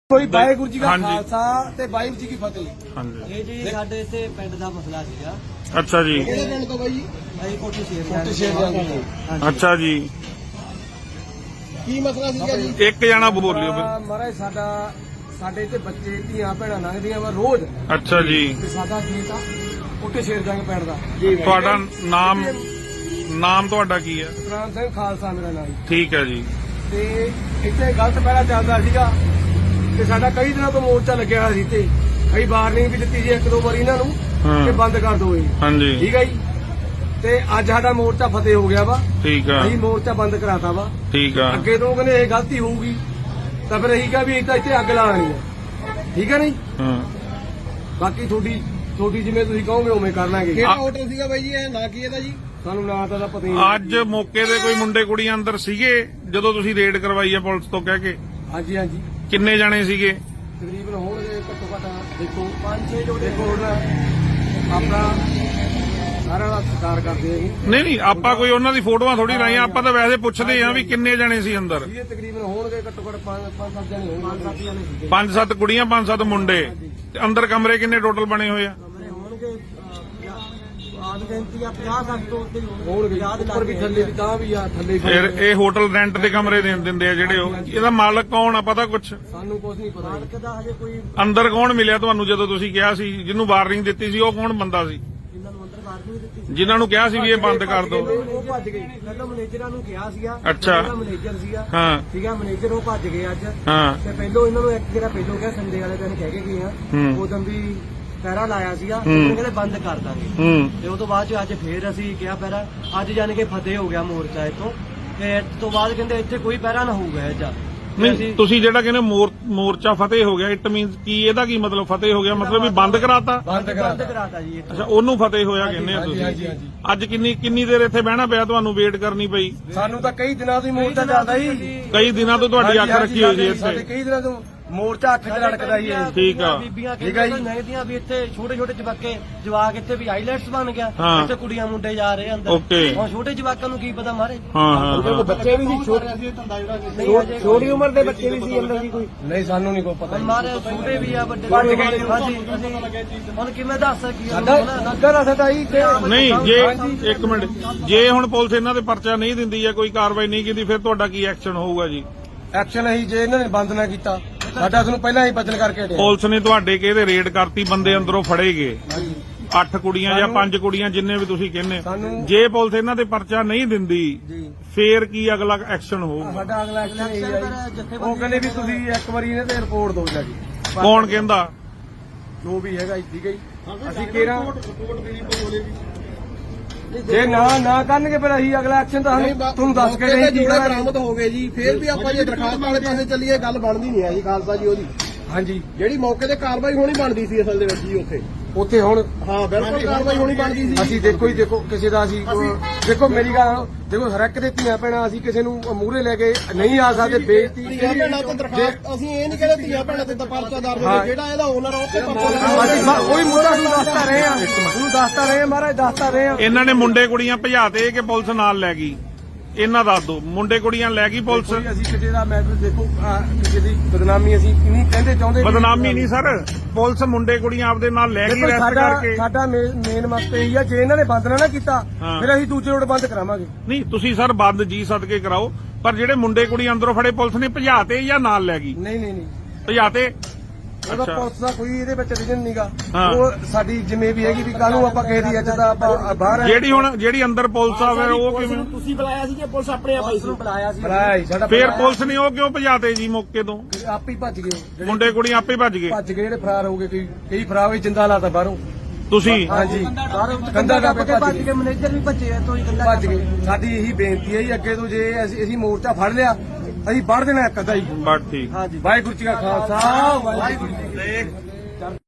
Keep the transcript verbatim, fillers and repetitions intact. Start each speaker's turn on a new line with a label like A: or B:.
A: ਕੋਈ ਵਾਹਿਗੁਰੂ ਜੀ ਦਾ ਖਾਲਸਾ ਤੇ ਵਾਹਿਗੁਰੂ ਜੀ ਕੀ ਫਤਿਹ।
B: ਹਾਂਜੀ
C: ਇਹ ਜੀ ਸਾਡੇ ਇੱਥੇ ਪਿੰਡ ਦਾ ਮਸਲਾ ਸੀਗਾ।
B: ਅੱਛਾ ਜੀ।
A: ਕਿਹੜੇ ਪਿੰਡ ਤੋਂ ਬਾਈ ਜੀ?
C: ਅਸੀਂ ਕੋਟੀ ਸ਼ੇਰ
A: ਕੋਟੀ ਸ਼ੇਰ ਜਾਂਦੇ।
B: ਅੱਛਾ ਜੀ।
A: ਕੀ ਮਸਲਾ ਸੀਗਾ ਜੀ?
B: ਇੱਕ ਜਣਾ ਬੋਲਿਓ।
A: ਮਹਾਰਾਜ ਸਾਡਾ ਸਾਡੇ ਇੱਥੇ ਬੱਚੇ ਧੀਆਂ ਭੈਣਾਂ ਲੰਘਦੀਆਂ ਵਾ ਰੋਜ਼।
B: ਅੱਛਾ ਜੀ।
A: ਤੇ ਸਾਡਾ ਖੇਤ ਆ ਕੋਟੀ ਸ਼ੇਰ ਜੰਗ ਪਿੰਡ ਦਾ।
B: ਤੁਹਾਡਾ ਨਾਮ ਨਾਮ ਤੁਹਾਡਾ ਕੀ ਹੈ?
A: ਸਤਨਾਮ ਸਿੰਘ ਖਾਲਸਾ ਮੇਰਾ ਨਾਮ ਜੀ।
B: ਠੀਕ ਹੈ ਜੀ।
A: ਤੇ ਇੱਥੇ ਗਲਤ ਪਹਿਲਾਂ ਚੱਲਦਾ ਸੀਗਾ ਤੇ ਸਾਡਾ ਕਈ ਦਿਨਾਂ ਤੋਂ ਮੋਰਚਾ ਲੱਗਿਆ ਹੋਇਆ ਸੀ ਤੇ ਕਈ ਵਾਰਨਿੰਗ ਵੀ ਦਿੱਤੀ ਸੀ ਇੱਕ ਦੋ ਵਾਰੀ ਇਹਨਾਂ ਨੂੰ ਕਿ ਬੰਦ ਕਰ ਦਿਓ ਜੀ।
B: ਹਾਂਜੀ
A: ਠੀਕ ਹੈ ਜੀ। ਤੇ ਅੱਜ ਸਾਡਾ ਮੋਰਚਾ ਫਤਿਹ ਹੋ ਗਿਆ ਵਾ।
B: ਠੀਕ ਆ।
A: ਅਸੀਂ ਮੋਰਚਾ ਬੰਦ ਕਰਾਤਾ ਵਾ।
B: ਠੀਕ ਆ।
A: ਅੱਗੇ ਤੋਂ ਕਹਿੰਦੇ ਇਹ ਗਲਤੀ ਹੋਊਗੀ ਤਾਂ ਫਿਰ ਅਸੀਂ ਕਿਹਾ ਵੀ ਇੱਥੇ ਇੱਥੇ ਅੱਗ ਲਾਣੀ ਹੈ। ਠੀਕ ਹੈ ਨਹੀਂ?
B: ਹਾਂ
A: ਬਾਕੀ ਤੁਹਾਡੀ ਤੁਹਾਡੀ ਜਿਵੇਂ ਤੁਸੀਂ ਕਹੋਗੇ ਉਵੇਂ ਕਰ ਲਾਂਗੇ।
B: ਕਿਹੜਾ
A: ਹੋਟਲ ਸੀਗਾ ਬਾਈ ਜੀ? ਇਹ ਨਾਂ ਕੀ ਇਹਦਾ ਜੀ? ਸਾਨੂੰ ਨਾਂ ਤਾਂ ਪਤਾ ਹੀ ਨਹੀਂ।
B: ਅੱਜ ਮੌਕੇ ਦੇ ਕੋਈ ਮੁੰਡੇ ਕੁੜੀਆਂ ਅੰਦਰ ਸੀਗੇ ਜਦੋਂ ਤੁਸੀਂ ਰੇਡ ਕਰਵਾਈ ਹੈ ਪੁਲਿਸ ਤੋਂ ਕਹਿ ਕੇ?
A: ਹਾਂਜੀ ਹਾਂਜੀ
B: ਕਿੰਨੇ ਜਾਣੇ ਸੀਗੇ?
A: ਤਕਰੀਬਨ ਹੋਣਗੇ ਘੱਟੋ ਘੱਟ ਦੇਖੋ ਪੰਜ ਛੇ ਜੋ ਦੇਖੋ ਹੁਣ ਆਪਣਾ ਸਾਰਾ ਦਾ ਸਤਿਕਾਰ ਕਰਦੇ ਆ ਜੀ।
B: ਨਹੀਂ ਨਹੀਂ ਆਪਾਂ ਕੋਈ ਉਹਨਾਂ ਦੀ ਫੋਟੋਆਂ ਥੋੜੀ ਲਾਈਆਂ, ਆਪਾਂ ਤਾਂ ਵੈਸੇ ਪੁੱਛਦੇ ਆ ਵੀ ਕਿੰਨੇ ਜਾਣੇ ਸੀ ਅੰਦਰ।
A: ਇਹ ਤਕਰੀਬਨ ਹੋਣਗੇ ਘੱਟੋ ਘੱਟ ਪੰਜ ਪੰਜ ਸੱਤ ਜਣੇ ਹੋਣਗੇ। ਪੰਜ ਸੱਤ ਜਣੇ ਸੀਗੇ।
B: ਪੰਜ ਸੱਤ ਕੁੜੀਆਂ ਪੰਜ ਸੱਤ ਮੁੰਡੇ ਤੇ ਅੰਦਰ ਕਮਰੇ ਕਿੰਨੇ ਟੋਟਲ ਬਣੇ ਹੋਏ ਆ?
C: ਕਮਰੇ ਹੋਣਗੇ ਆਦ ਗਿਣਤੀ ਆ ਪੰਜਾਹ ਸੱਠ ਤੋਂ ਉੱਤੇ
A: ਹੋਣਗੇ ਉੱਪਰ ਵੀ ਥੱਲੇ ਵੀ ਤਾਂ ਵੀ ਆ ਥੱਲੇ ਵੀ।
B: ਫਿਰ ਇਹ ਹੋਟਲ ਰੈਂਟ ਦੇ ਕਮਰੇ ਦੇ ਦਿੰਦੇ ਆ ਜਿਹੜੇ ਉਹ, ਇਹਦਾ ਮਾਲਕ ਕੌਣ ਆ ਪਤਾ ਕੁਛ?
A: ਸਾਨੂੰ ਕੁਝ ਨਹੀਂ ਪਤਾ।
C: ਮਾਲਕ ਦਾ ਹਜੇ ਕੋਈ
B: ਅੰਦਰ ਕੌਣ ਮਿਲਿਆ ਤੁਹਾਨੂੰ ਜਦੋਂ ਤੁਸੀਂ ਕਿਹਾ ਸੀ ਜਿਹਨੂੰ ਵਾਰਨਿੰਗ ਦਿੱਤੀ ਸੀ? ਉਹ ਕੌਣ ਬੰਦਾ ਸੀ
C: ਜਿਨ੍ਹਾਂ ਨੂੰ ਅੰਦਰ ਵਾਰਨਿੰਗ ਦਿੱਤੀ ਸੀ?
B: ਜਿਨ੍ਹਾਂ ਨੂੰ ਕਿਹਾ ਸੀ ਵੀ ਇਹ ਬੰਦ ਕਰ ਦਿਓ?
C: ਉਹ ਭੱਜ ਗਏ। ਪਹਿਲਾਂ ਮੈਨੇਜਰਾਂ ਨੂੰ ਕਿਹਾ ਸੀਗਾ।
B: ਅੱਛਾ।
C: ਜਿਹੜਾ ਮੈਨੇਜਰ ਸੀਗਾ
B: ਹਾਂ
C: ਠੀਕ ਆ, ਮੈਨੇਜਰ ਉਹ ਭੱਜ ਗਏ ਅੱਜ।
B: ਹਾਂ
C: ਤੇ ਪਹਿਲੋਂ ਇਹਨਾਂ ਨੂੰ ਇੱਕ ਜਿਹੜਾ ਪਹਿਲੋਂ ਕਿਹਾ ਸੰਡੇ ਵਾਲੇ ਦਿਨ ਕਹਿ ਕੇ ਗਏ ਆ
B: ਹੂੰ।
C: ਉਦੋਂ ਵੀ ਪਹਿਰਾ ਲਾਇਆ ਸੀਗਾ।
B: ਹੂੰ।
C: ਉਹ ਕਹਿੰਦੇ ਬੰਦ ਕਰ ਦਾਂਗੇ।
B: ਹੂੰ
C: ਤੇ ਉਹ ਤੋਂ ਬਾਅਦ ਚ ਅੱਜ ਫੇਰ ਅਸੀਂ ਕਿਹਾ ਪਹਿਰਾ ਅੱਜ ਜਾਣ ਕੇ ਫਤਿਹ ਹੋ ਗਿਆ ਮੋਰਚਾ ਇੱਥੋਂ। ਤੇ ਇਸ ਤੋਂ ਬਾਅਦ ਕਹਿੰਦੇ ਇੱਥੇ ਕੋਈ ਪਹਿਰਾ ਨਾ ਹੋਊਗਾ ਅੱਜ।
B: ਨਹੀਂ ਤੁਸੀਂ ਜਿਹੜਾ ਕਹਿੰਦੇ ਮੋਰ ਮੋਰਚਾ ਫਤਿਹ ਹੋ ਗਿਆ, ਇਟ ਮੀਨਸ ਕੀ? ਇਹਦਾ ਕੀ ਮਤਲਬ ਫਤਿਹ ਹੋ ਗਿਆ? ਮਤਲਬ ਵੀ ਬੰਦ ਕਰਾਤਾ?
A: ਬੰਦ
C: ਬੰਦ ਕਰਾਤਾ ਜੀ ਇੱਥੇ।
B: ਅੱਛਾ ਉਹਨੂੰ ਫਤਿਹ ਹੋਇਆ ਕਹਿੰਦੇ ਆ
A: ਹਾਂਜੀ ਹਾਂਜੀ
B: ਤੁਸੀਂ।
A: ਹਾਂਜੀ।
B: ਅੱਜ ਕਿੰਨੀ ਕਿੰਨੀ ਦੇਰ ਇੱਥੇ ਬਹਿਣਾ ਪਿਆ ਤੁਹਾਨੂੰ? ਵੇਟ ਕਰਨੀ ਪਈ?
A: ਸਾਨੂੰ ਤਾਂ ਕਈ ਦਿਨਾਂ ਤੋਂ ਹੀ ਮੋਰਚਾ ਚੱਲਦਾ ਜੀ।
B: ਕਈ ਦਿਨਾਂ ਤੋਂ ਤੁਹਾਡੀ ਅੱਖ ਰੱਖੀ ਹੋਈ ਸੀ
A: ਸਾਡੇ
B: ਇੱਥੇ।
A: ਕਈ ਦਿਨਾਂ ਤੋਂ ਮੋਰਚਾ ਅੱਖ 'ਚ ਲੜਕਦਾ ਹੀ ਹੈ।
B: ਠੀਕ ਆ।
C: ਬੀਬੀਆਂ
A: ਠੀਕ ਆ ਜੀ।
C: ਕਹਿੰਦੀਆਂ ਨਹੀਂਆਂ ਵੀ ਇੱਥੇ ਛੋਟੇ ਛੋਟੇ ਜਵਾਕੇ ਜਵਾਕ ਇੱਥੇ ਵੀ ਆਈਲੈਟਸ ਬਣ ਗਿਆ।
B: ਹਾਂ।
C: ਇੱਥੇ ਕੁੜੀਆਂ ਮੁੰਡੇ ਜਾ ਰਹੇ ਅੰਦਰ।
B: ਓਕੇ।
C: ਹੁਣ ਛੋਟੇ ਜਵਾਕਾਂ ਨੂੰ ਕੀ ਪਤਾ ਮਾਰੇ।
B: ਹਾਂ ਹਾਂ ਹਾਂ
A: ਬੱਚੇ ਵੀ ਸੀ ਛੋਟੇ ਛੋਟੀ ਉਮਰ ਦੇ ਬੱਚੇ ਵੀ ਸੀ ਅੰਦਰ ਜੀ ਕੋਈ? ਨਹੀਂ ਸਾਨੂੰ ਨਹੀਂ ਕੋਈ ਪਤਾ।
C: ਮਾਰੇ ਛੋਟੇ ਵੀ ਆ ਵੱਡੇ
A: ਭੱਜ
C: ਵੀ
A: ਗਏ।
C: ਆ। ਹਾਂਜੀ ਅਸੀਂ ਹੁਣ ਕਿਵੇਂ ਦੱਸ ਸਕੀਏ?
A: ਸਾਡਾ ਸਾਡਾ ਸਾਡਾ ਹੀ ਤੇ
B: ਨਹੀਂ ਜੇ ਇੱਕ ਮਿੰਟ, ਜੇ ਹੁਣ ਪੁਲਿਸ ਇਹਨਾਂ ਤੇ ਪਰਚਾ ਨਹੀਂ ਦਿੰਦੀ ਜਾਂ ਕੋਈ ਕਾਰਵਾਈ ਨਹੀਂ ਕੀਤੀ ਫਿਰ ਤੁਹਾਡਾ ਕੀ ਐਕਸ਼ਨ ਹੋਊਗਾ ਜੀ?
A: ਐਕਸ਼ਨ ਅਸੀਂ ਜੇ ਇਹਨਾਂ ਨੇ ਬੰਦ ਨਾ ਕੀਤਾ ਸਾਡਾ ਤੁਹਾਨੂੰ ਪਹਿਲਾਂ ਹੀ ਬਚਨ ਕਰਕੇ ਹਟਿਆ।
B: ਪੁਲਿਸ ਨੇ ਤੁਹਾਡੇ ਕਿਹਦੇ ਰੇਡ ਕਰਤੀ, ਬੰਦੇ ਅੰਦਰੋਂ ਫੜੇ ਗਏ,
A: ਹਾਂਜੀ।
B: ਅੱਠ ਕੁੜੀਆਂ ਜਾਂ ਪੰਜ ਕੁੜੀਆਂ ਜਿੰਨੇ ਵੀ ਤੁਸੀਂ ਕਹਿੰਦੇ,
A: ਸਾਨੂੰ-
B: ਜੇ ਪੁਲਿਸ ਇਹਨਾਂ ਤੇ ਪਰਚਾ ਨਹੀਂ ਦਿੰਦੀ
A: ਜੀ
B: ਫੇਰ ਕੀ ਅਗਲਾ ਐਕਸ਼ਨ ਹੋਊਗਾ?
A: ਸਾਡਾ ਅਗਲਾ ਐਕਸ਼ਨ ਇਹ ਹੈ ਜੀ। ਉਹ ਕਹਿੰਦੇ ਵੀ ਤੁਸੀਂ ਇੱਕ ਵਾਰੀ ਇਹਨਾਂ ਤੇ ਰਿਪੋਰਟ ਦਿਓ ਜੀ।
B: ਕੌਣ ਕਹਿੰਦਾ?
A: ਜੋ ਵੀ ਹੈਗਾ ਜੀ, ਠੀਕ ਹੈ ਜੀ। ਅਸੀਂ ਕਿਹੜਾ ਜੇ ਨਾ ਨਾ ਕਰਨਗੇ ਫਿਰ ਅਸੀਂ ਅਗਲਾ ਐਕਸ਼ਨ ਤਾਂ ਸਾਨੂੰ ਤੁਹਾਨੂੰ ਦੱਸ ਕੇ ਨਹੀਂ
D: ਜੋੜੇ ਬਰਾਮਦ ਹੋ ਗਏ ਜੀ। ਫੇਰ ਵੀ ਆਪਾਂ ਜੇ ਦਰਖਾਸਤ ਵਾਲੇ ਪਾਸੇ ਚੱਲੀਏ ਗੱਲ ਬਣਦੀ ਨਹੀਂ ਹੈ ਜੀ ਖਾਲਸਾ ਜੀ। ਉਹਦੀ
A: ਹਾਂਜੀ
D: ਜਿਹੜੀ ਮੌਕੇ ਤੇ ਕਾਰਵਾਈ ਹੋਣੀ ਬਣਦੀ ਸੀ ਅਸਲ ਦੇ ਵਿੱਚ ਜੀ ਉੱਥੇ।
A: ਉੱਥੇ ਹੁਣ
D: ਹਾਂ ਬਿਲਕੁਲ ਕਾਰਵਾਈ ਹੋਣੀ ਬਣਦੀ ਸੀ।
A: ਅਸੀਂ ਦੇਖੋ ਹੀ ਦੇਖੋ ਕਿਸੇ ਦਾ ਅਸੀਂ ਦੇਖੋ ਮੇਰੀ ਗੱਲ ਦੇਖੋ ਹਰ ਇੱਕ ਦੇ ਧੀਆਂ ਭੈਣਾਂ ਅਸੀਂ ਕਿਸੇ ਨੂੰ ਮੂਹਰੇ ਲੈ ਕੇ ਨਹੀਂ ਆ ਸਕਦੇ। ਬੇਇੱਜ਼ਤੀ
D: ਧੀਆਂ ਭੈਣਾਂ ਤੇ ਦਰਖਾਸਤ ਅਸੀਂ ਇਹ ਨਹੀਂ ਕਹਿੰਦੇ ਧੀਆਂ ਭੈਣਾਂ ਤੇ ਤਾਂ ਪਰਚਾ ਦਰਜ ਹੋਵੇ। ਜਿਹੜਾ ਇਹਦਾ ਓਨਰ ਉਹ ਤੇ
A: ਅਸੀਂ ਮ- ਉਹੀ ਮੁੱਦਾ ਤੁਹਾਨੂੰ ਦੱਸਦਾ ਰਹੇ ਆ ਤੁਹਾਨੂੰ ਦੱਸਦਾ ਰਹੇ ਆ ਮਹਾਰਾਜ ਦੱਸਦਾ ਰਹੇ ਆ।
B: ਇਹਨਾਂ ਨੇ ਮੁੰਡੇ ਕੁੜੀਆਂ ਭਜਾਤੇ ਕਿ ਪੁਲਿਸ ਨਾਲ ਲੈ ਗਈ? ਇਹਨਾਂ ਦੱਸ ਦਿਓ, ਮੁੰਡੇ ਕੁੜੀਆਂ ਲੈ ਗਈ ਪੁਲਿਸ?
A: ਦੇਖੋ ਜੀ, ਅਸੀਂ ਕਿਸੇ ਦਾ ਮੈਟਰ ਦੇਖੋ ਆਹ, ਕਿਸੇ ਦੀ ਬਦਨਾਮੀ ਅਸੀਂ ਨਹੀਂ ਕਹਿੰਦੇ ਚਾਹੁੰਦੇ।
B: ਬਦਨਾਮੀ ਨਹੀਂ ਸਰ, ਪੁਲਿਸ ਮੁੰਡੇ ਕੁੜੀਆਂ ਆਪਦੇ ਨਾਲ ਲੈ ਗਈ
A: ਦੇਖੋ
B: ਰੈਸਟ
A: ਸਾਡਾ
B: ਕਰਕੇ।
A: ਸਾਡਾ ਮੇਨ ਮਕਸਦ ਇਹ ਆ ਜੇ ਇਹਨਾਂ ਨੇ ਬੰਦ ਨਾ ਨਾ ਕੀਤਾ
B: ਹਾਂ।
A: ਫਿਰ ਅਸੀਂ ਦੂਜੇ ਰੋਡ ਬੰਦ ਕਰਾਵਾਂਗੇ।
B: ਨਹੀਂ ਤੁਸੀਂ ਸਰ ਬੰਦ ਜੀ ਸਦਕੇ ਕਰਾਓ, ਪਰ ਜਿਹੜੇ ਮੁੰਡੇ ਕੁੜੀ ਅੰਦਰੋਂ ਫੜੇ ਪੁਲਿਸ ਨੇ ਭਜਾਤੇ ਜਾਂ ਨਾਲ ਲੈ ਗਈ?
A: ਨਹੀਂ ਨਹੀਂ ਨਹੀਂ
B: ਭਜਾਤੇ?
A: ਉਹਦਾ
B: ਅੱਛਾ।
A: ਪੁਲਿਸ ਦਾ ਕੋਈ ਇਹਦੇ ਵਿੱਚ ਰੀਜਨ ਨਹੀਂਗਾ।
B: ਹਾਂ।
A: ਉਹ ਸਾਡੀ ਜਿਵੇਂ ਵੀ ਹੈਗੀ ਵੀ ਕਾਹਨੂੰ ਆਪਾਂ ਕਿਸੇ ਦੀ ਇੱਜ਼ਤ ਦਾ ਆਪਾਂ ਬਾਹਰ ਆ।
B: ਜਿਹੜੀ ਹੁਣ ਜਿਹੜੀ ਅੰਦਰ ਪੁਲਿਸ ਆ ਫਿਰ ਉਹ ਕਿਵੇਂ?
C: ਤੁਸੀਂ ਬੁਲਾਇਆ ਸੀ ਕਿ ਪੁਲਿਸ ਆਪਣੇ ਆਪ ਆਈ ਸੀ? ਬੁਲਾਇਆ ਸੀ।
A: ਭਰਾ ਸਾਡਾ
B: ਫਿਰ ਪੁਲਿਸ ਨੇ ਉਹ ਕਿਉਂ ਭਜਾਤੇ ਜੀ ਮੌਕੇ ਤੋਂ?
A: ਆਪੇ ਹੀ ਭੱਜ ਗਏ ਜਿਹੜੇ
B: ਮੁੰਡੇ ਕੁੜੀ ਆਪੇ ਭੱਜ ਗਏ?
A: ਭੱਜ ਗਏ ਜਿਹੜੇ ਫਰਾਰ ਹੋ ਗਏ। ਕਈ ਕਈ ਫਰਾਰ ਹੋਏ ਜਿੰਦਾ ਲਾਤਾ ਬਾਹਰੋਂ।
B: ਤੁਸੀਂ?
A: ਹਾਂਜੀ
C: ਕੰਦਾ
A: ਕੰਧਾ
C: ਟੱਪ
A: ਟੱਪ
C: ਕੇ
A: ਕੇ
C: ਭੱਜ ਗਏ। ਮੈਨੇਜਰ ਵੀ ਭੱਜੇ ਆ ਤੋਂ ਹੀ ਕੰਦਾ
A: ਭੱਜ ਗਏ। ਸਾਡੀ ਇਹੀ ਬੇਨਤੀ ਹੈ ਜੀ ਅੱਗੇ ਤੋਂ ਜੇ ਅਸੀਂ ਅਸੀਂ ਮੋਰਚਾ ਫੜ ਲਿਆ ਅਸੀਂ ਵੜ ਦੇਣਾ ਇੱਕ ਅੱਧਾ ਹੀ।
B: ਬਸ ਠੀਕ।
C: ਹਾਂਜੀ।
A: ਵਾਹਿਗੁਰੂ ਜੀ ਕਾ ਖਾਲਸਾ ਵਾਹਿਗੁਰੂ ਜੀ ਕੀ ਫਤਿਹ।